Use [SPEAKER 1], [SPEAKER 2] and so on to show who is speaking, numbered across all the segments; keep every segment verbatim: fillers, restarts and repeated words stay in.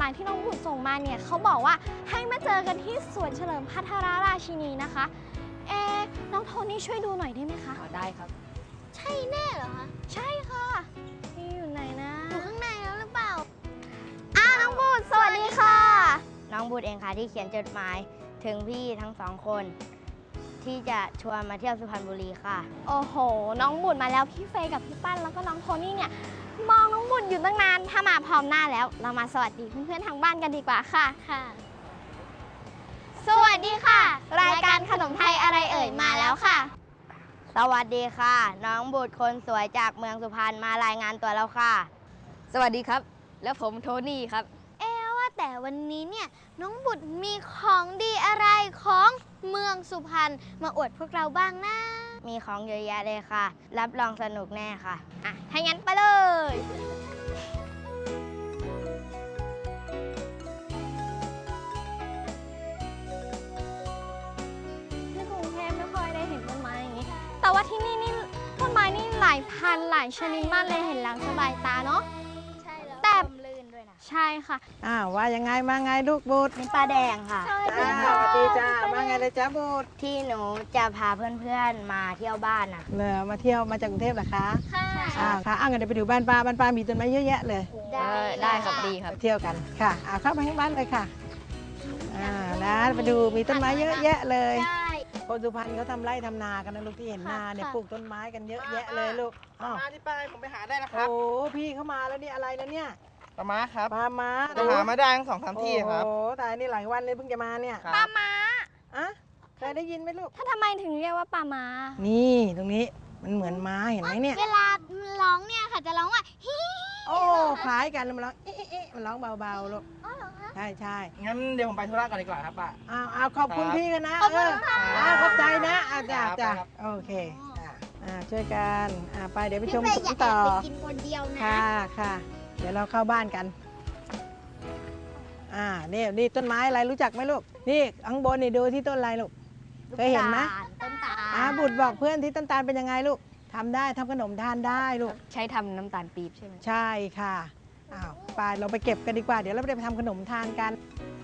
[SPEAKER 1] มายที่น้องบุตรส่งมาเนี่ยเขาบอกว่าให้มาเจอกันที่สวนเฉลิมพัทรราชินีนะคะเอ๊น้องโทนี่ช่วยดูหน่อยได้ไหมคะ
[SPEAKER 2] ได้ครับ
[SPEAKER 1] ใช่แน่เหรอคะใช่ค่ะนี่อยู่ไหนนะอยู่ข้างในแล้วหรือเปล่าอ้าวน้องบุตรสวัสดีค่ะ
[SPEAKER 2] น้องบุตรเองค่ะที่เขียนจดหมายถึงพี่ทั้งสองคนที่จะชวนมาเที่ยวสุพรรณบุรีค่ะ
[SPEAKER 1] โอ้โหน้องบุตรมาแล้วพี่เฟย์กับพี่ปั้นแล้วก็น้องโทนี่เนี่ยมองน้องบุตรอยู่ตั้งนานถ้ามาพร้อมหน้าแล้วเรามาสวัสดีเพื่อนๆทางบ้านกันดีกว่าค่ะค่ะสวัสดีค่ะรายการขนมไทยอะไรเอ่ยมาแล้วค่ะ
[SPEAKER 2] สวัสดีค่ะน้องบุตรคนสวยจากเมืองสุพรรณมารายงานตัวแล้วค่ะ
[SPEAKER 3] สวัสดีครับแล้วผมโทนี่ครับ
[SPEAKER 1] เอ๊ว่าแต่วันนี้เนี่ยน้องบุตรมีของดีอะไรของเมืองสุพรรณมาอวดพวกเราบ้างนะ
[SPEAKER 2] มีของเยอะแยะเลยค่ะรับรองสนุกแน่ค่ะ
[SPEAKER 1] อ่ะถ้างั้นไปเลยที่กรุงเทพไม่ค่อยได้เห็นต้นไม้อย่างนี้แต่ว่าที่นี่นี่ต้นไม้นี่หลายพันหลายชนิดมากเลยเห็นแล้วสบายตาเนาะ
[SPEAKER 2] ใช่แล้ว
[SPEAKER 1] แต่
[SPEAKER 2] ลื่นด้วยนะ
[SPEAKER 1] ใช่ค่ะ
[SPEAKER 4] อ้าวว่ายังไงมาไงลูกบุตร
[SPEAKER 2] เป็นปลาแดงค่ะ
[SPEAKER 4] จ้าสวัสดีจ้ามาไงเลยจ้าบุตร
[SPEAKER 2] ที่หนูจะพาเพื่อนๆมาเที่ยวบ้านนะ
[SPEAKER 4] เลยมาเที่ยวมาจากกรุงเทพเหรอคะ
[SPEAKER 1] ค่ะ
[SPEAKER 4] อ้าวค่ะอ้าวงั้นเดี๋ยวไปดูบ้านป้าบ้านป้ามีต้นไม้เยอะแยะเลย
[SPEAKER 3] ได้ได้ครับดีครับ
[SPEAKER 4] เที่ยวกันค่ะอ้าวเข้าไปข้างบ้านเลยค่ะอ่านะไปดูมีต้นไม้เยอะแยะเลยคนสุพรรณเขาทำไร่ทำนากันนะลูกที่เห็นนาเนี่ยปลูกต้นไม้กันเยอะแยะเลยลูก
[SPEAKER 5] อ้าวมาที่ป้ายผมไปหาได้นะครับ
[SPEAKER 4] โอ้พี่เข้ามาแล้วนี่อะไรนะเนี่ย
[SPEAKER 5] ปลาม้าครับ
[SPEAKER 4] ปลาม้า
[SPEAKER 5] จะหามาได้ทั้งสองสามที่ครับ
[SPEAKER 4] โอ้ตายนี่หลายวันเลยเพิ่งจะมาเนี่ย
[SPEAKER 1] ปลาม้า
[SPEAKER 4] อะเคยได้ยินไหมลูก
[SPEAKER 1] ถ้าทำไมถึงเรียกว่าปลาม้า
[SPEAKER 4] นี่ตรงนี้มันเหมือนม้าเห็นไหมเนี่ย
[SPEAKER 1] เวลาร้องเนี่ยค่ะจะร้องว่าฮิ
[SPEAKER 4] โอ้คล้ายกันมันร้องเอ๊ะเอ๊ะมันร้องเบาๆลูกใช่ใช่
[SPEAKER 5] งั้นเดี๋ยวผมไปธุระก่อนดีกว่าครับป้า
[SPEAKER 4] อ้าวอ้าวขอบคุณพี่กันนะเออขอบใจนะอาจ้าจ้าโอเคอ่าช่วยกันอ่าไปเดี๋ยวไปชมสวนต่อ
[SPEAKER 1] กินคนเดียวนะ
[SPEAKER 4] ค่ะค่ะเดี๋ยวเราเข้าบ้านกันอ่านี่นี่ต้นไม้อะไรรู้จักไหมลูกนี่ข้างบนนี่ดูที่ต้นอะไรลูกเคยเห็นไหม
[SPEAKER 1] ต้นตาล
[SPEAKER 4] อ่าบุตรบอกเพื่อนที่ต้นตาลเป็นยังไงลูกทำได้ทำขนมทานได้ลูก
[SPEAKER 3] ใช้ทำน้ำตาลปี๊บใช่ไหม
[SPEAKER 4] ใช่ค่ะอ้าวไปเราไปเก็บกันดีกว่าเดี๋ยวเราไปทำขนมทานกัน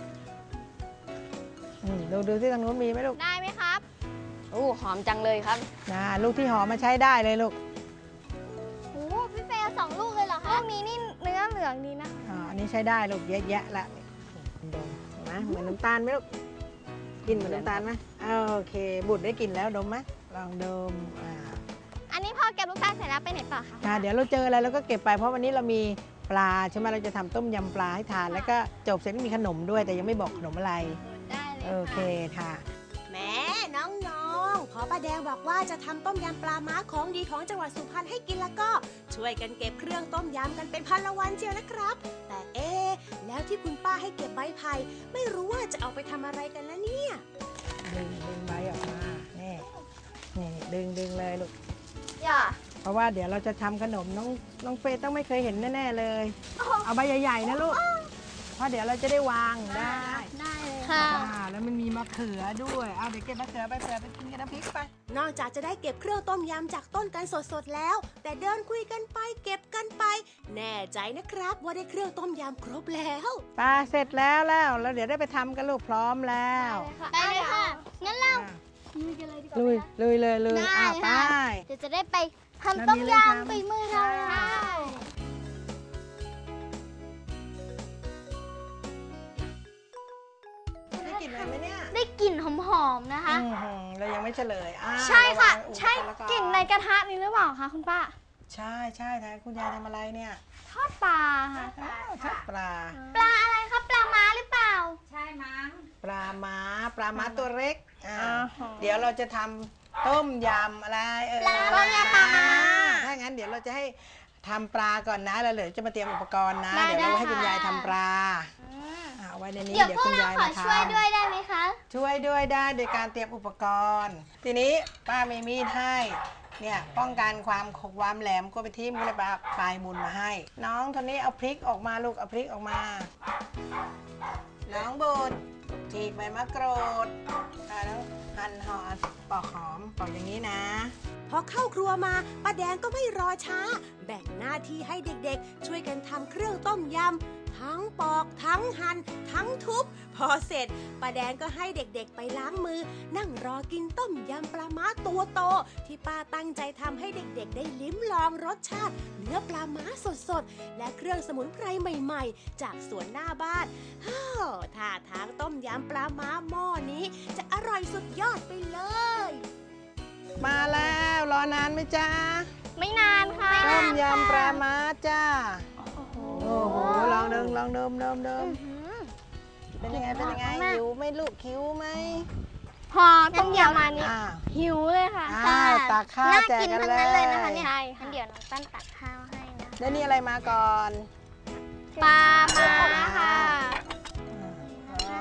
[SPEAKER 4] ดูดูที่ทางนู้นมีไหมลูก
[SPEAKER 1] ได้ไหมครับ
[SPEAKER 3] โอ้หอมจังเลยครับ
[SPEAKER 4] นะลูกที่หอมมาใช้ได้เลยลูก
[SPEAKER 1] โอ้พี่เฟย์สองลูกเลยเหรอคะลูกนี้นี่เนื้อเหลืองดีนะ
[SPEAKER 4] อ๋ออันนี้ใช้ได้ลูกเยอะแยะละดมเห็นไหมเหมือนน้ำตาลไหมลูกกินเหมือนน้ำตาลไหมโอเคบุตรได้กินแล้วดมไหมลองดมอ่า
[SPEAKER 1] อันนี้พอเก็บลูกตาลเสร็จแล้วไปไหนต่อคะ
[SPEAKER 4] ค่ะเดี๋ยวเราเจออะไรเราก็เก็บไปเพราะวันนี้เรามีปลาใช่ไหมเราจะทำต้มยำปลาให้ทานแล้วก็จบเสร็จก็มีขนมด้วยแต่ยังไม่บอกขนมอะไร
[SPEAKER 1] ได้เลย
[SPEAKER 4] โอเคค่ะ
[SPEAKER 6] แม่น้องๆพอป้าแดงบอกว่าจะทำต้มยำปลาม้าของดีของจังหวัดสุพรรณให้กินแล้วก็ช่วยกันเก็บเครื่องต้มยำกันเป็นพันละวันเชียวนะครับแต่เอ๊แล้วที่คุณป้าให้เก็บใบไผ่ไม่รู้ว่าจะเอาไปทำอะไรกันแล้วเนี่ย
[SPEAKER 4] ดึงดึงใบออกมานี่นี่ดึงดึงเลยลูก
[SPEAKER 1] อย่า
[SPEAKER 4] เพราะว่าเดี๋ยวเราจะทำขนมน้องน้องเฟย์ต้องไม่เคยเห็นแน่ๆเลยเอาใบใหญ่ๆนะลูกเพราะเดี๋ยวเราจะได้วางได้
[SPEAKER 1] ได้เลยค่ะ
[SPEAKER 4] แล้วมันมีมะเขือด้วยเอาเดี๋ยวเก็บมะเขือไปเผื่อไปกินกับน้ำพริกไป
[SPEAKER 6] นอกจากจะได้เก็บเครื่องต้มยำจากต้นกันสดๆแล้วแต่เดินคุยกันไปเก็บกันไปแน่ใจนะครับว่าได้เครื่องต้มยำครบแล้ว
[SPEAKER 4] ปลาเสร็จแล้วแล้วแล้วเดี๋ยวได้ไปทำกันลูกพร้อมแล้ว
[SPEAKER 1] ไปเลยค่ะงั้นเราลุยกันเลยดีกว่า
[SPEAKER 4] ลุยลุยเลยลุยอ่ะไป
[SPEAKER 1] เดี๋ยวจะได้ไปทำต้มยำไปมือเรา
[SPEAKER 4] ได้กลิ่นอะไรไหมเนี่ย
[SPEAKER 1] ได้กลิ่นหอมๆนะคะ
[SPEAKER 4] เรายังไม่เฉลย
[SPEAKER 1] ใช่ค่ะใช่กลิ่นในกระทะนี้หรือเปล่าคะคุณป้า
[SPEAKER 4] ใช่ใช่ท่านคุณยายทำอะไรเนี่ย
[SPEAKER 1] ทอดปลาค่ะ
[SPEAKER 4] ทอดปลา
[SPEAKER 1] ปลาอะไรครับปลาม้าหรือเปล่า
[SPEAKER 2] ใช่มั้ง
[SPEAKER 4] ปลาม้าปลาม้าตัวเล็กเดี๋ยวเราจะทำต้มยำอะไรเออ
[SPEAKER 1] ต้มยำปลาม้า
[SPEAKER 4] ถ้างั้นเดี๋ยวเราจะให้ทำปลาก่อนนะแล้วเดี๋ยวจะมาเตรียมอุปกรณ์นะเดี๋ยวเราให้คุณยายทำปลาเอาไว้ในนี้เดี๋ยวคุณยายมาทำ
[SPEAKER 1] ช่วยด้วยได้ไหมคะ
[SPEAKER 4] ช่วยด้วยได้โดยการเตรียมอุปกรณ์ทีนี้ป้ามีมีดให้เนี่ยป้องกันความขบความแหลมก็ไปที่มือปลาปลายมุนมาให้น้องคนนี้เอาพริกออกมาลูกเอาพริกออกมาน้องบุตรฉีกใบมะกรูดแล้วหั่นห่อปอกหอมปอกอย่างนี้นะ
[SPEAKER 6] พอเข้าครัวมาป้าแดงก็ไม่รอช้าแบ่งหน้าที่ให้เด็กๆช่วยกันทำเครื่องต้มยำทั้งปอกทั้งหั่นทั้งทุบพอเสร็จป้าแดงก็ให้เด็กๆไปล้างมือนั่งรอกินต้มยำปลาม้าตัวโตที่ป้าตั้งใจทำให้เด็กๆได้ลิ้มลองรสชาติเนื้อปลาม้าสดๆและเครื่องสมุนไพรใหม่ๆจากสวนหน้าบ้านฮ่าท่าทางต้มยำปลาม้าหม้อนี้จะอร่อยสุดยอดไปเลย
[SPEAKER 4] มาแล้วรอนานไหมจ๊ะ
[SPEAKER 1] ไม่นานค่ะ
[SPEAKER 4] ต้มยำปลาม้าจ้าโอ้โหลองเดิมลองเดิมเดิมเดิมเป็นยังไงเป็นยังไงหิวไหม่ลูกหิวไหม
[SPEAKER 1] พอต้มยำมานี่
[SPEAKER 4] อ่า
[SPEAKER 1] หิวเลยค่ะ
[SPEAKER 4] อ่าตักข้าวแจกกันเลย
[SPEAKER 1] ใช่ค่ะงั้นเดี๋ยวน้องตั้นตักข้าวให้นะ
[SPEAKER 4] แล้วนี่อะไรมาก่อน
[SPEAKER 1] ปลามาค่ะ
[SPEAKER 4] อ่า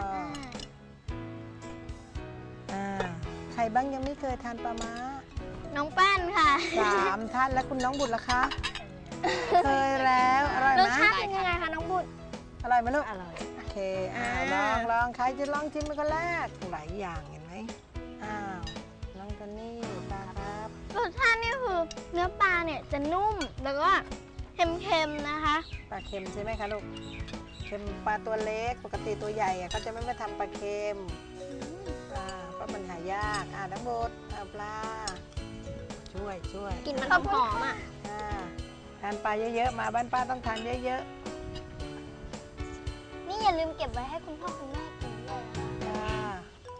[SPEAKER 4] อ่าใครบ้างยังไม่เคยทานปลาม้า
[SPEAKER 1] น้องแป้นค่ะ
[SPEAKER 4] สามท่านแล้วคุณน้องบุตรล่ะคะ เคยแล้วอร่อย
[SPEAKER 1] ร
[SPEAKER 4] ไห
[SPEAKER 1] ส
[SPEAKER 4] ม
[SPEAKER 1] ชาติเป็นยังไงคะน้องบุตร
[SPEAKER 4] อร่อยไหมลูก
[SPEAKER 3] อร่อย
[SPEAKER 4] โอเคอ่า
[SPEAKER 1] อ่า
[SPEAKER 4] ลองลองใครจะลองชิมเป็นคนแรกหลายอย่างเห็นไหมอ้าวน้องตัวนี้ปลาครับ
[SPEAKER 1] รสชาตินี่คือเนื้อปลาเนี่ยจะนุ่มแล้วก็เค็มๆนะคะ
[SPEAKER 4] ปลาเค็มใช่ไหมคะลูกเค็มปลาตัวเล็กปกติตัวใหญ่อะเขาจะไม่มาทำปลาเค็มอ่าเพราะมันหายากอ่าน้ำบดอ่าปลาช่วยช่วย
[SPEAKER 1] กลิ่นมันหอมๆอ่ะ
[SPEAKER 4] อ่าทานปลาเยอะๆมาบ้านป้าต้องทานเยอะ
[SPEAKER 1] นี่อย่าลืมเก็บไว้ให้คุณพ่อคุณแม่กินด้วยนะ
[SPEAKER 4] ๆอ่า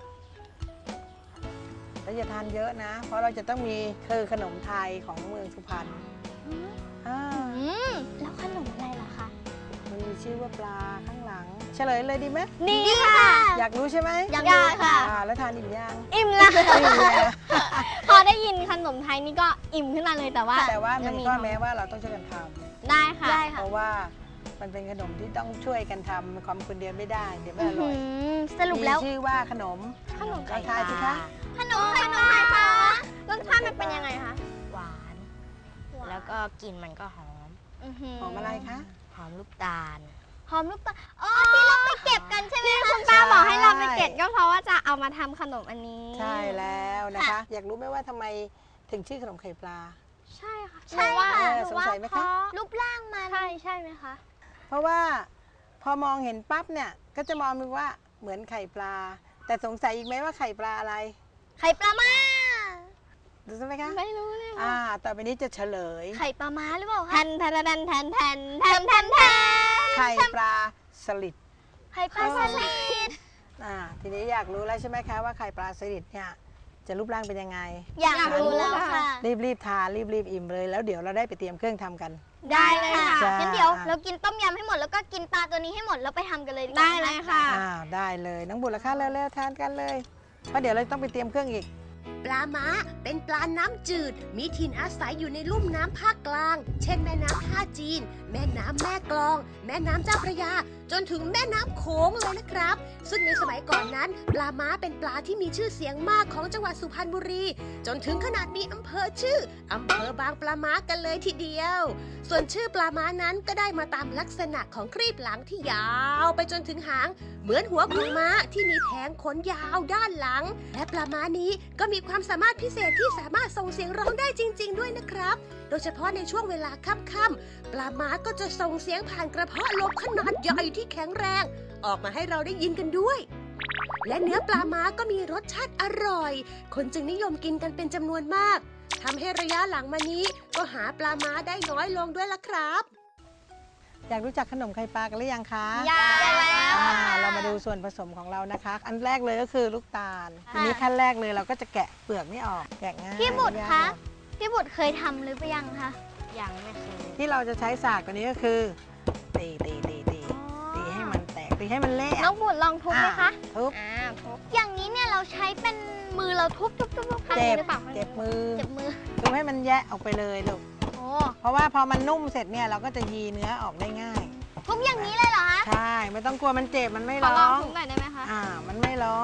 [SPEAKER 4] แล้วอย่าทานเยอะนะ เพราะเราจะต้องมีคือขนมไทยของเมืองสุพรรณอ่า
[SPEAKER 1] อืมแล้วขนมอะไรล่ะคะ
[SPEAKER 4] มันมีชื่อว่าปลาข้างหลัง เฉลยเลยดีไหม
[SPEAKER 1] นี่ค่ะ
[SPEAKER 4] อยากรู้ใช่ไหม
[SPEAKER 1] อยากรู้ค่ะ
[SPEAKER 4] อ่าแล้วทานอิ่มยัง
[SPEAKER 1] อิ่มแล้ว
[SPEAKER 4] อิ่มแล้ว
[SPEAKER 1] พอได้ยินขนมไทยนี่ก็อิ่มขึ้นมาเลยแต่ว่า
[SPEAKER 4] แต่ว่า
[SPEAKER 1] ยั
[SPEAKER 4] มี
[SPEAKER 1] ง
[SPEAKER 4] ข้อแม้ว่าเราต้องช่วยกันท
[SPEAKER 1] ได้ค่ะ
[SPEAKER 4] ำเพราะว่ามันเป็นขนมที่ต้องช่วยกันทำความคนเดียวไม่ได้เดี๋ยวไม่อร่อย
[SPEAKER 1] สรุปแล้ว
[SPEAKER 4] มีชื่อว่าขนม
[SPEAKER 1] ขนม
[SPEAKER 4] ลองทายสิคะ
[SPEAKER 1] ขนมไข่ปลาคะรสชาติมันเป็นยังไงคะ
[SPEAKER 2] หวาน แล้วก็กลิ่นมันก็หอม
[SPEAKER 4] หอมอะไรคะ
[SPEAKER 2] หอมลูกตาล
[SPEAKER 1] หอมลูกตาลอ๋อที่เราไปเก็บกันใช่ไหมคะคุณป้าบอกให้เราไปเก็บก็เพราะว่าจะเอามาทำขนมอันนี้
[SPEAKER 4] ใช่แล้วนะคะ อยากรู้ไหมว่าทำไมถึงชื่อขนมไข่ปลา
[SPEAKER 1] ใช่ค่ะ
[SPEAKER 4] ใช่ค่ะสงสัยไหมคะ
[SPEAKER 1] รูปร่างมันใช่ใช่ไหมคะ
[SPEAKER 4] เพราะว่าพอมองเห็นปั๊บเนี่ยก็จะมองดูว่าเหมือนไข่ปลา แต่สงสัยอีกไหมว่าไข่ปลาอะไร
[SPEAKER 1] ไข่ปลามา
[SPEAKER 4] ดูใช่ไหมคะ
[SPEAKER 1] ไม่รู้เลย
[SPEAKER 4] อ่าต่อไปนี้จะเฉลย
[SPEAKER 1] ไข่ปลามาหรือเปล่าคะแทนแทนแทนแทนแทนแทนแทนแทน
[SPEAKER 4] ไข่ปลาสลิด
[SPEAKER 1] ไข่ปลาสลิด
[SPEAKER 4] อ่าทีนี้อยากรู้แล้วใช่ไหมคะว่าไข่ปลาสลิดเนี่ยจะรูปร่างเป็นยังไง
[SPEAKER 1] อยากรู้แล้วค่ะ
[SPEAKER 4] รีบรีบๆทานรีบรีบๆอิ่มเลยแล้วเดี๋ยวเราได้ไปเตรียมเครื่องทำกัน
[SPEAKER 1] ได้เลยค่ะ
[SPEAKER 4] จ้า
[SPEAKER 1] งั้นเดี๋ยวเรากินต้มยำให้หมดแล้วก็กินปลาตัวนี้ให้หมดแล้วไปทำกันเลยดีกว่าได้เลยค่ะ
[SPEAKER 4] อ่าได้เลยน้องบุตรละคะเร็วๆทานกันเลยเพราะเดี๋ยวเราต้องไปเตรียมเครื่องอีก
[SPEAKER 6] ปลาม้าเป็นปลาน้ำจืด มีถิ่นอาศัยอยู่ในลุ่มน้ำภาคกลาง เช่นแม่น้ำท่าจีน แม่น้ำแม่กลอง แม่น้ำเจ้าพระยา จนถึงแม่น้ำโขงเลยนะครับ ซึ่งในสมัยก่อนนั้น ปลาม้าเป็นปลาที่มีชื่อเสียงมากของจังหวัดสุพรรณบุรี จนถึงขนาดมีอำเภอชื่ออำเภอบางปลาม้ากันเลยทีเดียว ส่วนชื่อปลาม้านั้นก็ได้มาตามลักษณะของครีบหลังที่ยาวไปจนถึงหาง เหมือนหัวของม้าที่มีแผงขนยาวด้านหลัง และปลาม้านี้ก็มีความสามารถพิเศษที่สามารถส่งเสียงร้องได้จริง ๆ ด้วยนะครับ โดยเฉพาะในช่วงเวลาค่ำๆปลาม้าก็จะส่งเสียงผ่านกระเพาะลมขนาดใหญ่ที่แข็งแรง ออกมาให้เราได้ยินกันด้วย และเนื้อปลาม้าก็มีรสชาติอร่อย คนจึงนิยมกินกันเป็นจำนวนมากทำให้ระยะหลังมานี้ก็หาปลาม้าได้น้อยลงด้วยล่ะครับ
[SPEAKER 4] อยากรู้จักขนมไข่ปลากันหรือยังคะ
[SPEAKER 1] อยากแล้ว
[SPEAKER 4] อ่าเรามาดูส่วนผสมของเรานะคะ อันแรกเลยก็คือลูกตาลทีนี้ขั้นแรกเลยเราก็จะแกะเปลือกนี่ออกแกะง่าย
[SPEAKER 1] พี่บุตร
[SPEAKER 4] ไม่ยาก
[SPEAKER 1] คะ
[SPEAKER 4] หรอก
[SPEAKER 1] พี่บุตรเคยทำหรือเปล่ายังคะ
[SPEAKER 2] ยังไม่เคย
[SPEAKER 4] ที่เราจะใช้สากตัวนี้ก็คือตีตีตีตีตีให้มันแตกตีให้มันเละ
[SPEAKER 1] น้องบุตรลองทุบไหมคะ
[SPEAKER 4] ทุบ
[SPEAKER 1] อ่าทุบอย่างนี้เนี่ยเราใช้เป็นมือเราทุบทุบทุบทุบข้าง
[SPEAKER 4] เจ็
[SPEAKER 1] นี้
[SPEAKER 4] บ
[SPEAKER 1] หรือเปล่า
[SPEAKER 4] เจ็บมือ
[SPEAKER 1] เจ็บมือ
[SPEAKER 4] ทุบให้มันแยะออกไปเลยลูก
[SPEAKER 1] โอ้
[SPEAKER 4] เพราะว่าพอมันนุ่มเสร็จเนี่ยเราก็จะยีเนื้อออกได้ง่าย
[SPEAKER 1] ทุบอย่างนี้เลยเหรอคะ
[SPEAKER 4] ใช่ไม่ต้องกลัวมันเจ็บมันไม่
[SPEAKER 1] ขอ
[SPEAKER 4] ร้
[SPEAKER 1] ล
[SPEAKER 4] อ
[SPEAKER 1] อง
[SPEAKER 4] ง
[SPEAKER 1] ทุบหน่อยได้ไหมคะ
[SPEAKER 4] อ่ามันไม่ร้อง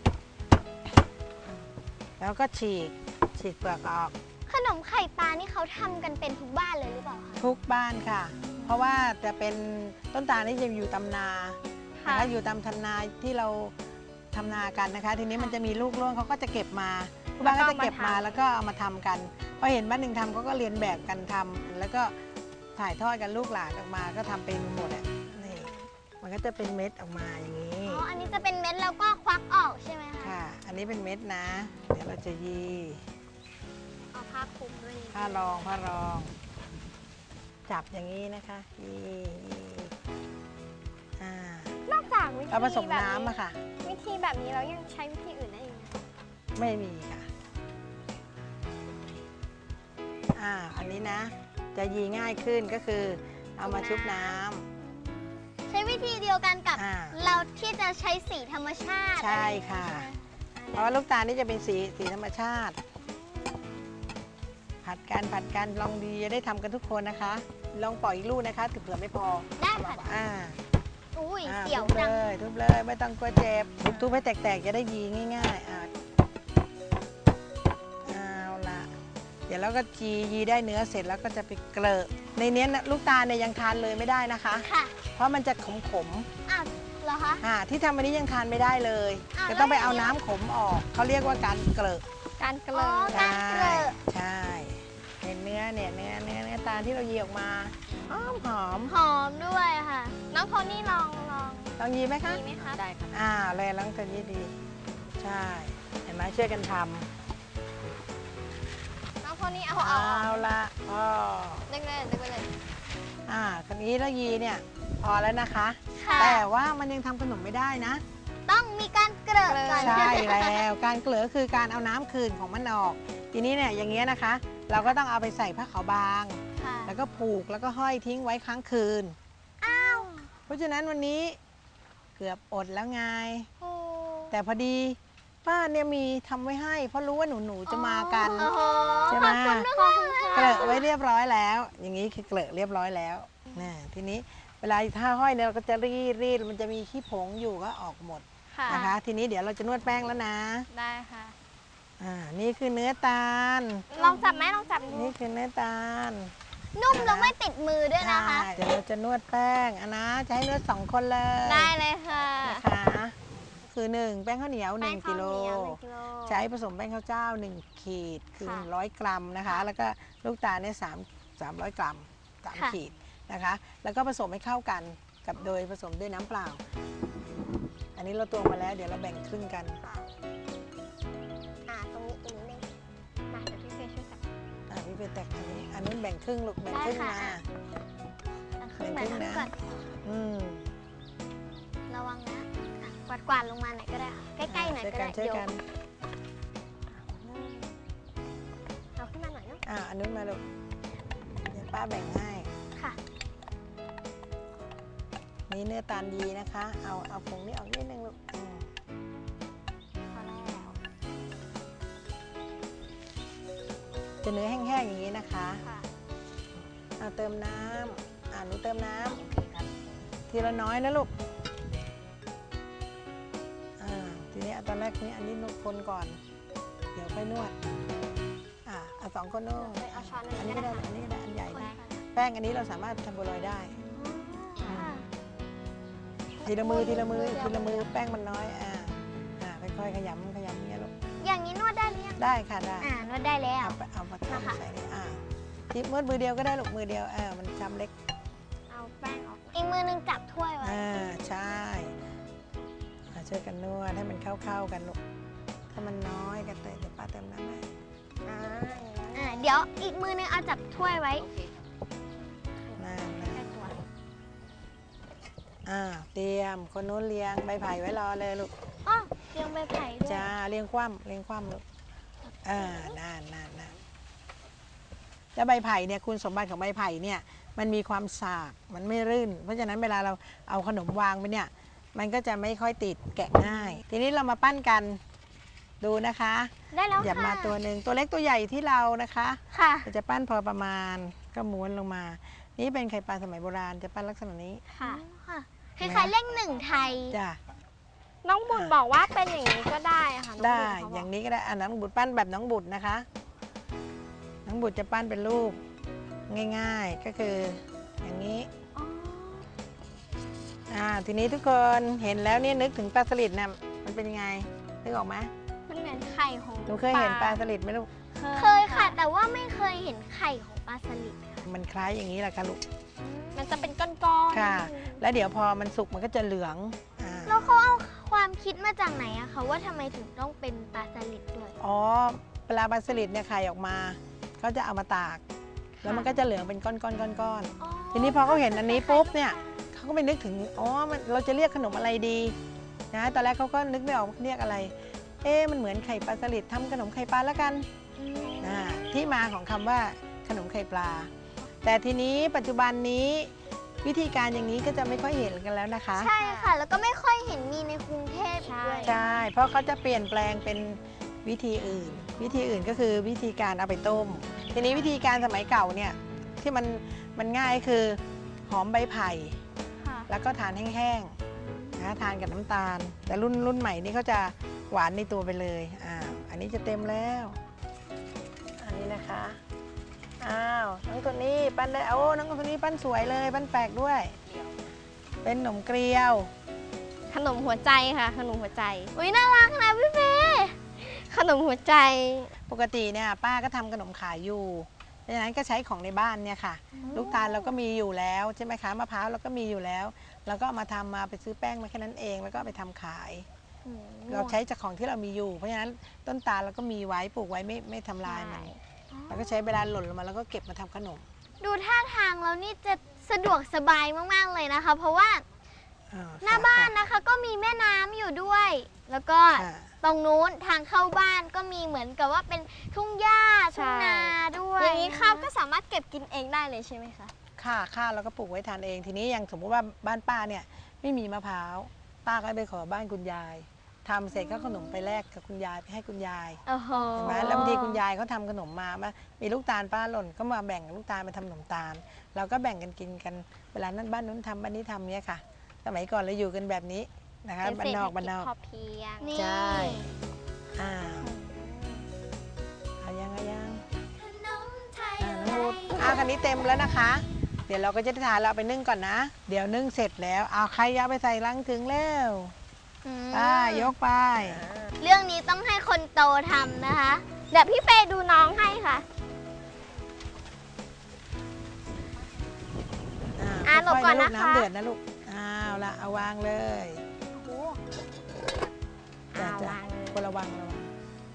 [SPEAKER 4] แล้วก็ฉีกฉีกเปลือกออก
[SPEAKER 1] ขนมไข่ปลานี่เขาทำกันเป็นทุกบ้านเลยหรือเปล่าคะ
[SPEAKER 4] ทุกบ้านค่ะ เพราะว่าจะเป็นต้นตาลที่จะอยู่ตำนานะคะอยู่ตามทำนาที่เราทำนากันนะคะ ทีนี้มันจะมีลูกร่วงเขาก็จะเก็บมาทุกบ้านก็จะเก็บมาแล้วก็เอามาทำกันพอเห็นบ้านหนึ่งทำเขาก็เรียนแบบกันทำแล้วก็ถ่ายทอดกันลูกหลานออกมาก็ทำเป็นหมดอ่ะนี่มันก็จะเป็นเม็ดออกมาอย่างนี้
[SPEAKER 1] อ๋อ อันนี้จะเป็นเม็ดแล้วก็ควักออกใช่ไหมคะ
[SPEAKER 4] ค่ะ อันนี้เป็นเม็ดนะ เดี๋ยวเราจะยี
[SPEAKER 1] เอาผ้าคลุมด้วยนี่
[SPEAKER 4] ผ้ารองผ้ารอง จับอย่างนี้นะคะยียีอ่าน
[SPEAKER 1] อกจากวิธี
[SPEAKER 4] เราผสม
[SPEAKER 1] แบบ
[SPEAKER 4] น้ำอะค่ะ
[SPEAKER 1] วิธีแบบนี้เรายังใช้วิธีอื่นได้อีกไหม
[SPEAKER 4] ไม่มีค่ะ อ่า อันนี้นะ จะยีง่ายขึ้นก็คือ เอามาชุบน้ำ
[SPEAKER 1] ใช้วิธีเดียวกันกับ
[SPEAKER 4] อ่า
[SPEAKER 1] เราที่จะใช้สีธรรมชาติ
[SPEAKER 4] ใช่ค่ะ เพราะว่าลูกตาลนี่จะเป็นสีสีธรรมชาติ ผัดกันผัดกันลองดีจะได้ทำกันทุกคนนะคะ ลองปล่อยอีกลูกนะคะถือเผื่อไม่พอ
[SPEAKER 1] ได้ค่ะ
[SPEAKER 4] อ่า
[SPEAKER 1] อุ้ย
[SPEAKER 4] อ่า
[SPEAKER 1] เสียว
[SPEAKER 4] ทุบ
[SPEAKER 1] จัง
[SPEAKER 4] เลยทุบเลยไม่ต้องกลัวเจ็บทุบทุบให้แตกๆจะได้ยีง่ายๆอ่าเอาละเดี๋ยวเราก็จียีได้เนื้อเสร็จแล้วก็จะไปเกลอะในเนี้ยนะลูกตาลเนี่ยยังทานเลยไม่ได้นะคะ
[SPEAKER 1] ค่ะ
[SPEAKER 4] เพราะมันจะขม
[SPEAKER 1] อ้าวเหรอคะ
[SPEAKER 4] ๆอ่าที่ทำวันนี้ยังทานไม่ได้เลย
[SPEAKER 1] อ้าว
[SPEAKER 4] จะต้องไป
[SPEAKER 1] แล้ว
[SPEAKER 4] เอา
[SPEAKER 1] อย่างนี้
[SPEAKER 4] น้ำขมออกเขาเรียกว่าการเกลอะ
[SPEAKER 3] การเก
[SPEAKER 1] อ๋
[SPEAKER 3] ลื
[SPEAKER 1] อ
[SPEAKER 3] อ
[SPEAKER 1] การเกลอะ
[SPEAKER 4] ใช่เห็นเนื้อเนี่ยเนื้อเนื้อเนื้อตาลที่เรายีออกมาหอมหอม
[SPEAKER 1] หอมด้วยค่ะ น้องโทนี่ลองลอง
[SPEAKER 4] ลองยีไหมคะ
[SPEAKER 1] ดีไหมคะ
[SPEAKER 3] ได้ครับ
[SPEAKER 4] อ่าเลยลองจะยีดี ใช่ เห็นไหมช่วยกันท
[SPEAKER 1] น้องโทนี่
[SPEAKER 4] ำ
[SPEAKER 1] เอาเอา
[SPEAKER 4] เอา
[SPEAKER 1] เอา
[SPEAKER 4] ละพอ
[SPEAKER 1] ดึงเลยดึงไปเลย
[SPEAKER 4] อ่าคันนี้เรายีเนี่ยพอแล้วนะคะ
[SPEAKER 1] ค่ะ
[SPEAKER 4] แต่ว่ามันยังทำขนมไม่ได้นะ
[SPEAKER 1] ต้องมีการเกลือก่อน
[SPEAKER 4] ใช่แล้วการเกลือคือการเอาน้ำคืนของมันออก ทีนี้เนี่ยอย่างเงี้ยนะคะ เราก็ต้องเอาไปใส่ผ้าขาวบาง
[SPEAKER 1] ค่ะ
[SPEAKER 4] แล้วก็ผูกแล้วก็ห้อยทิ้งไว้ค้างคืน
[SPEAKER 1] อ้าว
[SPEAKER 4] เพราะฉะนั้นวันนี้เกือบอดแล้วไง
[SPEAKER 1] โอ้
[SPEAKER 4] แต่พอดีป้าเนี่ยมีทำไว้ให้ เพราะรู้ว่าหนูหนูๆจะมากัน
[SPEAKER 1] โอ้โห
[SPEAKER 4] ใช่ไหม
[SPEAKER 1] ขอบคุณมากๆเลย
[SPEAKER 4] เกลอะไว้เรียบร้อยแล้ว อย่างนี้คือเกลอะเรียบร้อยแล้วนะทีนี้เวลาถ้าห้อยเนี่ยเราก็จะรีดรีดมันจะมีขี้ผงอยู่ก็ออกหมด
[SPEAKER 1] ค่ะ
[SPEAKER 4] นะคะ ทีนี้เดี๋ยวเราจะนวดแป้งแล้วนะ
[SPEAKER 1] ได้ค่ะ
[SPEAKER 4] อ่านี่คือเนื้อตาล
[SPEAKER 1] ลองจับไหมลองจับดู
[SPEAKER 4] นี่คือเนื้อตาล
[SPEAKER 1] นุ่มแล้วไม่ติดมือด้วยนะคะ
[SPEAKER 4] ใช่เดี๋ยวเราจะนวดแป้งอันนะจะให้นวดสองคนเลย
[SPEAKER 1] ได้เลยค่ะ
[SPEAKER 4] นะคะคือหนึ่งแป้งข้าวเหนียวหนึ่ง
[SPEAKER 1] แป้
[SPEAKER 4] กิ
[SPEAKER 1] ง
[SPEAKER 4] โล
[SPEAKER 1] ข้าวเหนียวหนึ่งกิโล
[SPEAKER 4] ใช้ผสมแป้งข้าวเจ้าหนึ่งขีดคือ
[SPEAKER 1] ค่ะ
[SPEAKER 4] หนึ่งร้อยกรัมนะคะ แล้วก็ลูกตาลเนี่ยสามสามร้อยกรัมสาม
[SPEAKER 1] ค่ะ
[SPEAKER 4] ขีดนะคะ แล้วก็ผสมให้เข้ากันกับโดยผสมด้วยน้ำเปล่า อันนี้เราตวงมาแล้ว เดี๋ยวเราแบ่งครึ่งกัน
[SPEAKER 1] อ่าตรงนี้ตรงนี้เลยมาเดี๋ยวพี่เฟย์ช่วยจับ
[SPEAKER 4] อ่ะพี่เป็นแตกอันนี้อันนู้นแบ่งครึ่งลูกแบ่งครึ่ง
[SPEAKER 1] ได้
[SPEAKER 4] มา
[SPEAKER 1] ค่ะ อ่ะขึ้นมา
[SPEAKER 4] แบ่งครึ่ง
[SPEAKER 1] ขึ้น
[SPEAKER 4] นะ
[SPEAKER 1] ก่อน
[SPEAKER 4] อืม
[SPEAKER 1] ระวังนะอ่ะกวาดกวาดๆลงมาหน่อยก็ได้ค่ะใกล้ๆหน่อย
[SPEAKER 4] ช่วย
[SPEAKER 1] ก็
[SPEAKER 4] กั
[SPEAKER 1] ได้
[SPEAKER 4] นช่วย
[SPEAKER 1] เดี๋ยว
[SPEAKER 4] กัน
[SPEAKER 1] เอาขึ้นมาหน่อยเนาะ
[SPEAKER 4] อ่ะอันนู้นมาลูกเดี๋ยวป้าแบ่งให้
[SPEAKER 1] ค่ะ
[SPEAKER 4] นี่เนื้อตาลยีนะคะ เอาเอาผงนี้ออกนิดนึงลูกอืม
[SPEAKER 1] พอแล้ว
[SPEAKER 4] จะเนื้อแห้งๆอย่างนี้นะคะ
[SPEAKER 1] ค่ะ
[SPEAKER 4] เอาเติมน้ำอ่าหนูเติมน้ำทีละน้อยนะลูกอ่าทีนี้เอาตอนแรกนี้อันนี้นวดคนก่อน เดี๋ยวค่อยนวดอ่าเอาสองคนนวด
[SPEAKER 1] เอาช้อน
[SPEAKER 4] อันนี้
[SPEAKER 1] ก็
[SPEAKER 4] ก็
[SPEAKER 1] ได้
[SPEAKER 4] ได้อันนี้ก็ได้อันใหญ่
[SPEAKER 1] คน
[SPEAKER 4] นะ
[SPEAKER 1] ค่ะ
[SPEAKER 4] แป้งอันนี้เราสามารถทำบัวลอยได้
[SPEAKER 1] ค่ะ
[SPEAKER 4] ทีละมือทีละมือทีละมือแป้งมันน้อยอ่าอ่าค่อยๆขยำขยำอย่างเงี้ยลูก
[SPEAKER 1] อย่างนี้นวดได้หรือยัง
[SPEAKER 4] ได้ค่ะได้
[SPEAKER 1] อ่านวดได้แล้ว
[SPEAKER 4] เอาไปเอามา
[SPEAKER 1] นะคะ
[SPEAKER 4] ทำใส่นี่อ่าทีมือมือเดียวก็ได้ลูกมือเดียวเออมันจำเล็ก
[SPEAKER 1] เอาแป้งออกอีกมือนึงจับถ้วยไว้
[SPEAKER 4] อ่าใช่อ่าช่วยกันนวดให้มันเข้าๆกันลูกถ้ามันน้อยก็เติมเดี๋ยวป้าเติมน้ำให้
[SPEAKER 1] อ่าอ่าเดี๋ยวอีกมือนึงเอาจับถ้วยไว้
[SPEAKER 3] โอเคครับ
[SPEAKER 4] นั่นนะ
[SPEAKER 1] ใกล้ตัว
[SPEAKER 4] อ่าเตรียมคนนู้นเรียงใบไผ่ไว้รอเลยลูก
[SPEAKER 1] อ๋อเรียงใบไผ่ด้วย
[SPEAKER 4] จ้าเรียงคว่ำเรียงคว่ำลูกอ่านั่นนั่นนั่นแล้วใบไผ่เนี่ยคุณสมบัติของใบไผ่เนี่ยมันมีความสากมันไม่รื่น เพราะฉะนั้นเวลาเราเอาขนมวางไปเนี่ยมันก็จะไม่ค่อยติดแกะง่าย ทีนี้เรามาปั้นกันดูนะคะ
[SPEAKER 1] ได้แล้ว
[SPEAKER 4] หยับ
[SPEAKER 1] ค่ะ
[SPEAKER 4] มาตัวหนึ่งตัวเล็กตัวใหญ่ที่เรานะคะ
[SPEAKER 1] ค่ะ
[SPEAKER 4] เราจะปั้นพอประมาณก็ม้วนลงมา นี่เป็นไข่ปลาสมัยโบราณจะปั้นลักษณะนี้
[SPEAKER 1] ค่ะค่ะคล้ายๆเลขหนึ่งไทย
[SPEAKER 4] จ้ะ
[SPEAKER 1] น้องบุญบอกว่าเป็นอย่างนี้ก็ได้ค่ะน้อง
[SPEAKER 4] ได้
[SPEAKER 1] บุญเขาบ
[SPEAKER 4] อก ย่างนี้ก็ได้อ่ะน้องบุตรปั้นแบบน้องบุตรนะคะ น้องบุตรจะปั้นเป็นรูปง่าย ๆก็คืออย่างนี้
[SPEAKER 1] อ๋อ
[SPEAKER 4] อ่าทีนี้ทุกคนเห็นแล้วเนี่ยนึกถึงปลาสลิดนะมันเป็นยังไงนึกออกไหม
[SPEAKER 1] มันเหมือนไข่ของ
[SPEAKER 4] หนูเคยเห็นปลาสลิดไหมลูก
[SPEAKER 1] เคยค่ะ แต่แต่ว่าไม่เคยเห็นไข่ของปลาสลิดค่ะ
[SPEAKER 4] มันคล้ายอย่างนี้แหละค่ะลูก
[SPEAKER 1] มันจะเป็นก้อนๆ
[SPEAKER 4] ค่ะ แล้วเดี๋ยวพอมันสุกมันก็จะเหลืองอ่า
[SPEAKER 1] แล้วเขาเอาความคิดมาจากไหนอะคะว่าทำไมถึงต้องเป็นปลาสลิดด้วย
[SPEAKER 4] อ๋อปลาปลาสลิดเนี่ยไข่ออกมาเขาจะเอามาตาก แล้วมันก็จะเหลืองเป็นก้อนๆก้อนๆ ทีนี้พอเขาเห็นอันนี้ปุ๊บเนี่ยเขาก็ไปนึกถึงอ๋อมันเราจะเรียกขนมอะไรดีนะตอนแรกเขาก็นึกไม่ออกว่าเรียกอะไร เอ๊ะมันเหมือนไข่ปลาสลิดทำขนมไข่ปลาแล้วกันนะที่มาของคำว่าขนมไข่ปลา แต่ทีนี้ปัจจุบันนี้วิธีการอย่างนี้ก็จะไม่ค่อยเห็นกันแล้วนะคะ
[SPEAKER 1] ใช่ค่ะ แล้วก็ไม่ค่อยเห็นมีในกรุงเทพด้วย
[SPEAKER 4] ใช่เพราะเขาจะเปลี่ยนแปลงเป็นวิธีอื่น วิธีอื่นก็คือวิธีการเอาไปต้ม ทีนี้วิธีการสมัยเก่าเนี่ยที่มันมันง่ายคือหอมใบไผ่
[SPEAKER 1] ค่ะ
[SPEAKER 4] แล้วก็ทานแห้งๆนะทานกับน้ำตาล แต่รุ่นรุ่นใหม่นี่เขาจะหวานในตัวไปเลยอ่าอันนี้จะเต็มแล้ว อันนี้นะคะอ้าวน้องตัวนี้ปั้นได้โอ้น้องตัวนี้ปั้นสวยเลยปั้นแปลกด้วย เป็นขนมเกลียว
[SPEAKER 1] ขนมหัวใจค่ะ ขนมหัวใจ อุ้ยน่ารักนะพี่เฟย์ขนมหัวใจ
[SPEAKER 4] ปกติเนี่ยป้าก็ทำขนมขายอยู่ดังนั้นก็ใช้ของในบ้านเนี่ยค่ะ ลูกตาลเราก็มีอยู่แล้วใช่ไหมคะมะพร้าวเราก็มีอยู่แล้วเราก็เอามาทำมาไปซื้อแป้งมาแค่นั้นเองแล้วก็เอาไปทำขาย เราใช้จากของที่เรามีอยู่ เพราะฉะนั้นต้นตาลเราก็มีไว้ปลูกไว้ไม่ไม่ทำลายมันเราก็ใช้เวลาหล่นลงมาแล้วก็เก็บมาทำขนม
[SPEAKER 1] ดูท่าทางแล้วนี่จะสะดวกสบายมากๆเลยนะคะ เพราะว่า
[SPEAKER 4] อ่
[SPEAKER 1] หน้าบ้านนะคะก็มีแม่น้ำอยู่ด้วย แล้วก็
[SPEAKER 4] ค่ะ
[SPEAKER 1] ตรงนู้นทางเข้าบ้านก็มีเหมือนกับว่าเป็นทุ่งหญ้าทุ่งนาด้วยอย่างนี้ข้าวก็สามารถเก็บกินเองได้เลยใช่ไหมคะ
[SPEAKER 4] ค่ะข้าวเราก็ปลูกไว้ทานเอง ทีนี้อย่างสมมุติว่าบ้านป้าเนี่ยไม่มีมะพร้าวป้าก็ไปขอบ้านคุณยายทำเสร็จก็ขนมไปแลกกับคุณยายไปให้คุณยาย
[SPEAKER 1] โอ้โห
[SPEAKER 4] เห็นไหมแล้วบางทีคุณยายเขาทำขนมมามามีลูกตาลป้าหล่นก็มาแบ่งลูกตาลมาทำขนมตาล เราก็แบ่งกันกินกันเวลานั้นบ้านนู้นทำบ้านนี้ทำเนี่ยค่ะ สมัยก่อนเราอยู่กันแบบนี้นะคะ
[SPEAKER 1] เป็น
[SPEAKER 4] บ้านนอกบ้านนอก
[SPEAKER 1] พอเพียง
[SPEAKER 4] ใช่อ่าเอายังเอายังอ่าน้องรูดอ่าคันนี้เต็มแล้วนะคะ เดี๋ยวเราก็จะได้ทานเราเอาไปนึ่งก่อนนะ เดี๋ยวนึ่งเสร็จแล้วเอาใครเอาไปใส่ลังถึงแล้วไป้ายกไป
[SPEAKER 1] เรื่องนี้ต้องให้คนโตทำนะคะ เดี๋ยวพี่เฟย์ดูน้องให้ค่ะ อ่าหลบก่อนนะคะ
[SPEAKER 4] น้ำเดือดนะลูกอ้าวละเอาวางเลย
[SPEAKER 1] อ่า
[SPEAKER 4] จ้ะ
[SPEAKER 1] วางเลย
[SPEAKER 4] คนระวังระวัง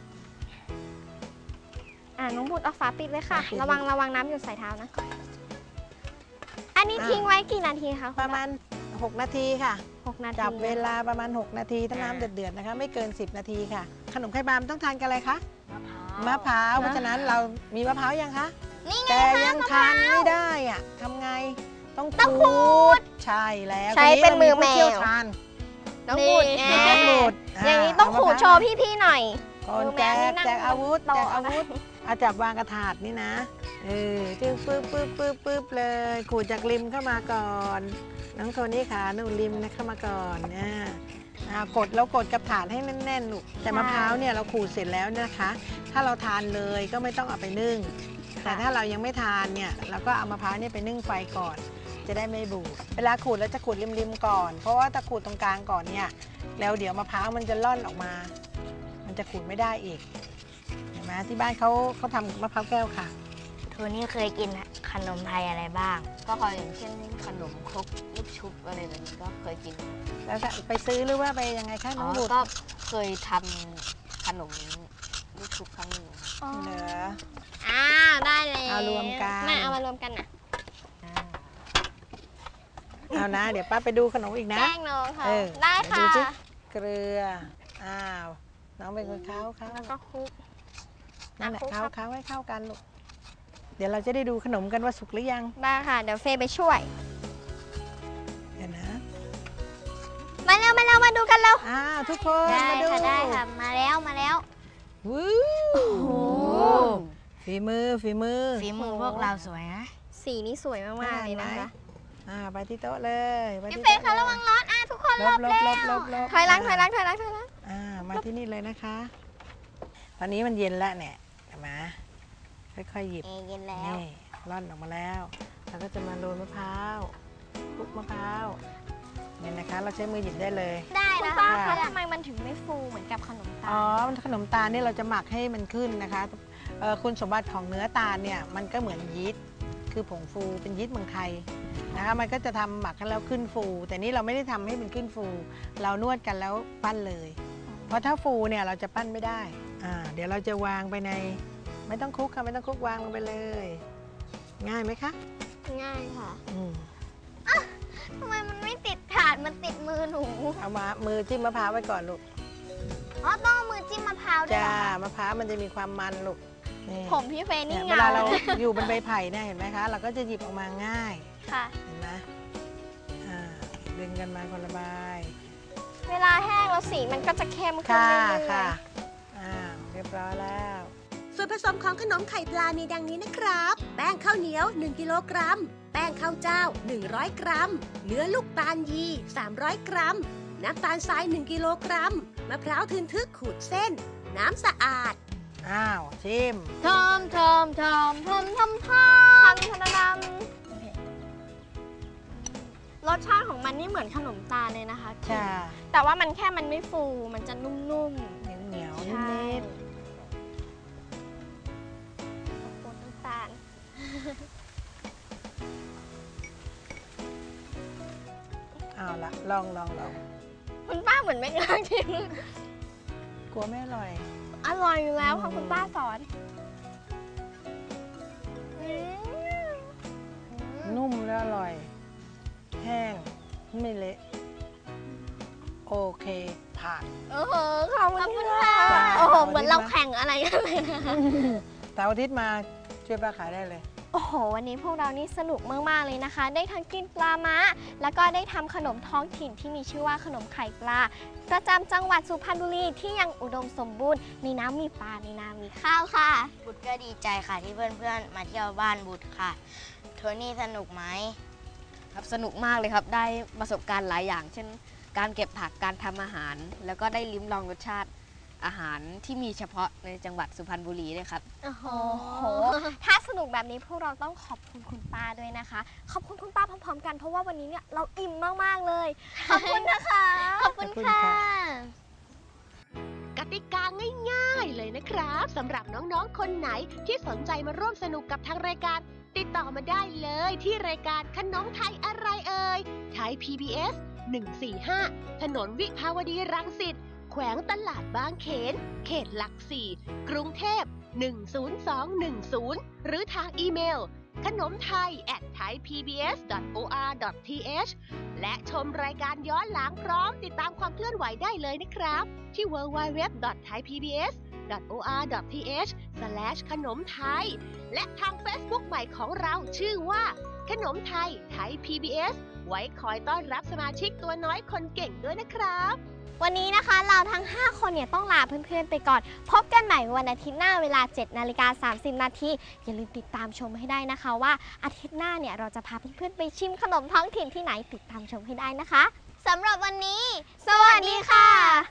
[SPEAKER 1] อ่าน้องบุตรเอาฝาปิดเลยค่ะ
[SPEAKER 4] ฝาปิด
[SPEAKER 1] ระวังระวังน้ำหยดใส่เท้านะ อันนี้
[SPEAKER 4] อ่า
[SPEAKER 1] ทิ้งไว้กี่นาทีคะคุณ
[SPEAKER 4] ประมาณ หก นาทีค่ะ
[SPEAKER 1] หกนาที
[SPEAKER 4] จับเวลาประมาณ หก นาทีถ้าน้ำเดือดๆนะคะ ไม่เกิน สิบ นาทีค่ะ ขนมไข่ปลามันต้องทานกันอะไรคะมะพร้าวเพราะฉะนั้นเรามีมะพร้าวยังคะ
[SPEAKER 1] นี่ไง
[SPEAKER 4] แต่
[SPEAKER 1] คะ
[SPEAKER 4] ยัง
[SPEAKER 1] มะพ
[SPEAKER 4] ทา
[SPEAKER 1] ร้าน ว
[SPEAKER 4] ไม่ได้อะทำไงต้อง
[SPEAKER 1] ต้อง
[SPEAKER 4] ขู
[SPEAKER 1] ขู
[SPEAKER 4] ดใช่แล้ว
[SPEAKER 1] ใช้
[SPEAKER 4] ที
[SPEAKER 1] เป็นมือ
[SPEAKER 4] ราผู้ชี่ยว
[SPEAKER 1] แมว
[SPEAKER 4] ชาญ
[SPEAKER 1] น้องบุตร
[SPEAKER 4] น้องบุตร
[SPEAKER 1] อย่างนี้ต้องขูดโชว์พี่ๆหน่อย
[SPEAKER 4] ก่อน
[SPEAKER 1] มือแม
[SPEAKER 4] แจ
[SPEAKER 1] วนี่
[SPEAKER 4] ก
[SPEAKER 1] นั่ง
[SPEAKER 4] แจกอาวุธ
[SPEAKER 1] โต๊ะ
[SPEAKER 4] แจกอาวุธเอาจับวางกระถาดนี่นะเออจึ๊บปึ๊บปึ๊บปึ๊บปึ๊บเลยขูดจากริมเข้ามาก่อนน้องโทนี่ขาหนูริมนะเข้ามาก่อนเนี่ยอ่ากดแล้วกดกับถาดให้แน่นๆลูกแต่มะพร้าวเนี่ยเราขูดเสร็จแล้วนะคะ ถ้าเราทานเลยก็ไม่ต้องเอาไปนึ่ง แต่ถ้าเรายังไม่ทานเนี่ยเราก็เอามะพร้าวเนี่ยไปนึ่งไฟก่อน จะได้ไม่บูดเวลาขูดแล้วจะขูดริมๆก่อน เพราะว่าถ้าขูดตรงกลางก่อนเนี่ยแล้วเดี๋ยวมะพร้าวมันจะล่อนออกมา มันจะขูดไม่ได้อีกเห็นไหมที่บ้านเขาเขาทำมะพร้าวแก้วค่ะ
[SPEAKER 2] โทนี่เคยกินขนมไทยอะไรบ้าง
[SPEAKER 3] ก็เคยอย่างเช่นขนมครกลูกชุบอะไรแบบนี้ก็เคยกิน
[SPEAKER 4] แล้วก็ไปซื้อหรือว่าไปยังไงคะ
[SPEAKER 3] อ๋
[SPEAKER 4] น้
[SPEAKER 3] อ
[SPEAKER 4] องบุตร
[SPEAKER 3] ก็เคยทำขนมลูกชุบครั้งหนึ่งครับ
[SPEAKER 4] เหลือ
[SPEAKER 1] อ้าวได้เลย
[SPEAKER 4] เอารวมกัน
[SPEAKER 1] มาเอามารวมกันนะ
[SPEAKER 4] เอานะ เดี๋ยวป้าไปดูขนมอีกนะ
[SPEAKER 1] แกล้งน้องค่ะ
[SPEAKER 4] เออ
[SPEAKER 1] ได้ค่ะ
[SPEAKER 4] ดูสิเกลืออ้าวน้องเป็นคนเข้าเข้า
[SPEAKER 1] แล้วก็คลุก
[SPEAKER 4] นั่นแหละ
[SPEAKER 1] อ่ะคลุก
[SPEAKER 4] เข้า
[SPEAKER 1] ครับ
[SPEAKER 4] เข้าให้เข้ากันลูกเดี๋ยวเราจะได้ดูขนมกันว่าสุกหรือยัง
[SPEAKER 1] ได้ค่ะ เดี๋ยวเฟย์ไปช่วย
[SPEAKER 4] เดี๋ยวนะ
[SPEAKER 1] มาเร็วมาเร็วมาดูกันเร็ว
[SPEAKER 4] อ้าวทุกคน
[SPEAKER 1] ได้
[SPEAKER 4] มาดู
[SPEAKER 1] ค่ะได้ค่ะ มาแล้วมาแล้ว
[SPEAKER 4] วู้ฝีมือฝีมือ
[SPEAKER 2] ฝีมือพวกเราสวยนะ
[SPEAKER 1] สีนี้สวยมากๆเลยนะคะ
[SPEAKER 4] อ่าไปที่โต๊ะเลยไป
[SPEAKER 1] พี่
[SPEAKER 4] ที่
[SPEAKER 1] เฟย์
[SPEAKER 4] โต๊
[SPEAKER 1] คะระวังร้อนอ่ะทุกคน
[SPEAKER 4] ล
[SPEAKER 1] รอ
[SPEAKER 4] บบ ล
[SPEAKER 1] แล้
[SPEAKER 4] บลบล
[SPEAKER 1] ว
[SPEAKER 4] บลบ
[SPEAKER 1] ถอยหลังถอยหลังถอยหลังถอยหลัง
[SPEAKER 4] อ่ามาที่นี่เลยนะคะ ตอนนี้มันเย็นแล้วเนี่ยเห็นไหมค่อยๆหยิบ
[SPEAKER 1] เอเย็นแล้ว
[SPEAKER 4] นี่ร่อนออกมาแล้วเราก็จะมาโรยมะพร้าวคลุกมะพร้าวเนี่ยนะคะ เราใช้มือหยิบได้เลย
[SPEAKER 1] ได้นะ
[SPEAKER 4] ป้า
[SPEAKER 1] คะ
[SPEAKER 4] คะ
[SPEAKER 1] ทำไมมันถึงไม่ฟูเหมือนกับขนมตา
[SPEAKER 4] อ๋อ
[SPEAKER 1] ล
[SPEAKER 4] ขนมตาลนี่เราจะหมักให้มันขึ้นนะคะเอ่อคุณสมบัติของเนื้อตาลเนี่ยมันก็เหมือนยีสต์คือผงฟูเป็นยีสต์เมืองไทยนะคะมันก็จะทำหมักกันแล้วขึ้นฟู แต่นี่เราไม่ได้ทำให้มันขึ้นฟู เรานวดกันแล้วปั้นเลย เพราะถ้าฟูเนี่ยเราจะปั้นไม่ได้อ่าเดี๋ยวเราจะวางไปในไม่ต้องคลุกค่ะไม่ต้องคลุกวางลงไปเลย ง่ายไหมคะ
[SPEAKER 1] ง่ายค่ะ
[SPEAKER 4] อืม
[SPEAKER 1] ทำไมมันไม่ติดถาดมันติดมือหนู
[SPEAKER 4] เอามามือจิ้มมะพร้าวไว้ก่อนลูก
[SPEAKER 1] อ๋อต้องเอามือจิ้มมะพร้าวด้วย
[SPEAKER 4] จ้า
[SPEAKER 1] เหรอคะ
[SPEAKER 4] มะพร้าวมันจะมีความมันลูกนี่
[SPEAKER 1] ผมพี่เฟย์
[SPEAKER 4] เนี่
[SPEAKER 1] นี่
[SPEAKER 4] ยเว
[SPEAKER 1] เงา
[SPEAKER 4] ลาเราอยู่บนใบไผ่เนี่ยเห็นไหมคะ เราก็จะหยิบออกมาง่าย
[SPEAKER 1] ค่ะ
[SPEAKER 4] เห็นไหมอ่าดึงกันมาคนละใบ
[SPEAKER 1] เวลาแห้งแล้วสีมันก็จะเข้มขึ้น
[SPEAKER 4] ค่ะ
[SPEAKER 1] เรื่อยๆ
[SPEAKER 4] ค่ะอ่าเรียบร้อยแล้ว
[SPEAKER 6] ส่วนผสมของขนมไข่ปลามีดังนี้นะครับ แป้งข้าวเหนียว หนึ่ง กิโลกรัม แป้งข้าวเจ้า หนึ่งร้อย กรัม เนื้อลูกตาลยี สามร้อย กรัม น้ำตาลทราย หนึ่ง กิโลกรัม มะพร้าวทึนทึกขูดเส้น น้ำสะอาด
[SPEAKER 4] อ้าวชิม
[SPEAKER 2] ทอมทอมทอมทอมทอมทอม
[SPEAKER 1] ทันทันดำรสชาติของมันนี่เหมือนขนมตาลเลยนะคะ
[SPEAKER 4] ใช่
[SPEAKER 1] แต่ว่ามันแค่มันไม่ฟู มันจะนุ่ม
[SPEAKER 4] เหนียวเหนียว
[SPEAKER 1] ๆ
[SPEAKER 4] นิดนิด
[SPEAKER 1] โอ้โหน้ำตาล
[SPEAKER 4] เอาละลองลองลอง
[SPEAKER 1] คุณป้าเหมือนไม่กล้าชิม
[SPEAKER 4] กลัวไม่อร่อย
[SPEAKER 1] อร่อยอยู่แล้วค่ะ
[SPEAKER 4] อืม
[SPEAKER 1] คุณป้าสอนอืม
[SPEAKER 4] นุ่มแล้วอร่อย แห้งไม่เละ โอเค ผ่าน
[SPEAKER 1] โอ้โหขอบคุณค่ะ
[SPEAKER 4] จ้า
[SPEAKER 1] โอ้โห
[SPEAKER 4] ขอบคุณ
[SPEAKER 1] เหมือนเรา
[SPEAKER 4] มาก
[SPEAKER 1] แข่งอะไรกันเลยนะคะ
[SPEAKER 4] แต่อาทิตย์มาช่วยป้าขายได้เลย
[SPEAKER 1] โอ้โห วันนี้พวกเรานี่สนุกมาก ๆ เลยนะคะ ได้ทั้งกินปลาม้า แล้วก็ได้ทำขนมท้องถิ่นที่มีชื่อว่าขนมไข่ปลา ประจำจังหวัดสุพรรณบุรีที่ยังอุดมสมบูรณ์ในน้ำมีปลาในน้ำมีข้าวค่ะ
[SPEAKER 2] บุตรก็ดีใจค่ะที่เพื่อนๆ มาเที่ยวบ้านบุตรค่ะ โทนี่สนุกไหม
[SPEAKER 3] ครับสนุกมากเลยครับ ได้ประสบการณ์หลายอย่าง เช่น การเก็บผักการทำอาหาร แล้วก็ได้ลิ้มลองรสชาติอาหารที่มีเฉพาะในจังหวัดสุพรรณบุรีด้วยครับ
[SPEAKER 1] โอ้โห ถ้าสนุกแบบนี้พวกเราต้องขอบคุณคุณป้าด้วยนะคะ ขอบคุณคุณป้าพร้อมๆกันเพราะว่าวันนี้เนี่ยเราอิ่มมากๆเลย ขอบคุณนะคะ
[SPEAKER 4] ขอบคุณค่ะ
[SPEAKER 6] กติกาง่ายๆเลยนะครับสำหรับน้องๆ คนไหนที่สนใจมาร่วมสนุกกับทางรายการ ติดต่อมาได้เลยที่รายการขนมไทยอะไรเอ่ยไทย พี บี เอส หนึ่ง สี่ ห้า ถนนวิภาวดีรังสิตแขวงตลาดบางเขน เขตหลักสี่ กรุงเทพ หนึ่ง ศูนย์ สอง หนึ่ง ศูนย์ หรือทางอีเมล ขนมไทย แอท ไทยพีบีเอส ดอท โอ อาร์ ดอท ที เอช และชมรายการย้อนหลังพร้อมติดตามความเคลื่อนไหวได้เลยนะครับ ที่ ดับเบิลยู ดับเบิลยู ดับเบิลยู ดอท ไทยพีบีเอส ดอท โอ อาร์ ดอท ที เอช สแลช ขนมไทย และทาง Facebook ใหม่ของเราชื่อว่า ขนมไทย ไทย พี บี เอส ไว้คอยต้อนรับสมาชิกตัวน้อยคนเก่งด้วยนะครับ
[SPEAKER 1] วันนี้นะคะเราทั้ง ห้า คนเนี่ยต้องลาเพื่อนๆไปก่อน พบกันใหม่วันอาทิตย์หน้าเวลา เจ็ดนาฬิกาสามสิบนาทีอย่าลืมติดตามชมให้ได้นะคะว่าอาทิตย์หน้าเนี่ยเราจะพาเพื่อนๆไปชิมขนมท้องถิ่นที่ไหนติดตามชมให้ได้นะคะสำหรับวันนี้ สวัสดีค่ะ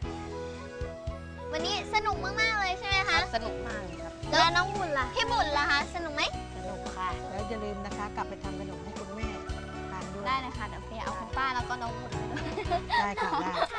[SPEAKER 1] วันนี้สนุกมากๆเลยใช่ไหมคะ
[SPEAKER 3] สนุกมากเลยครับ
[SPEAKER 1] แล้วน้องบุญล่ะพี่บุญล่ะคะสนุกไหม
[SPEAKER 2] สนุกค่ะ
[SPEAKER 4] แล้วอย่าลืมนะคะ กลับไปทำขนมให้คุณแม่ทานด้วย
[SPEAKER 1] ได้เลยค่ะเดี๋ยวเฟย์เอาคุณป้าแล้วก็น้องบุญไปด้วย
[SPEAKER 4] ได้ค่ะได้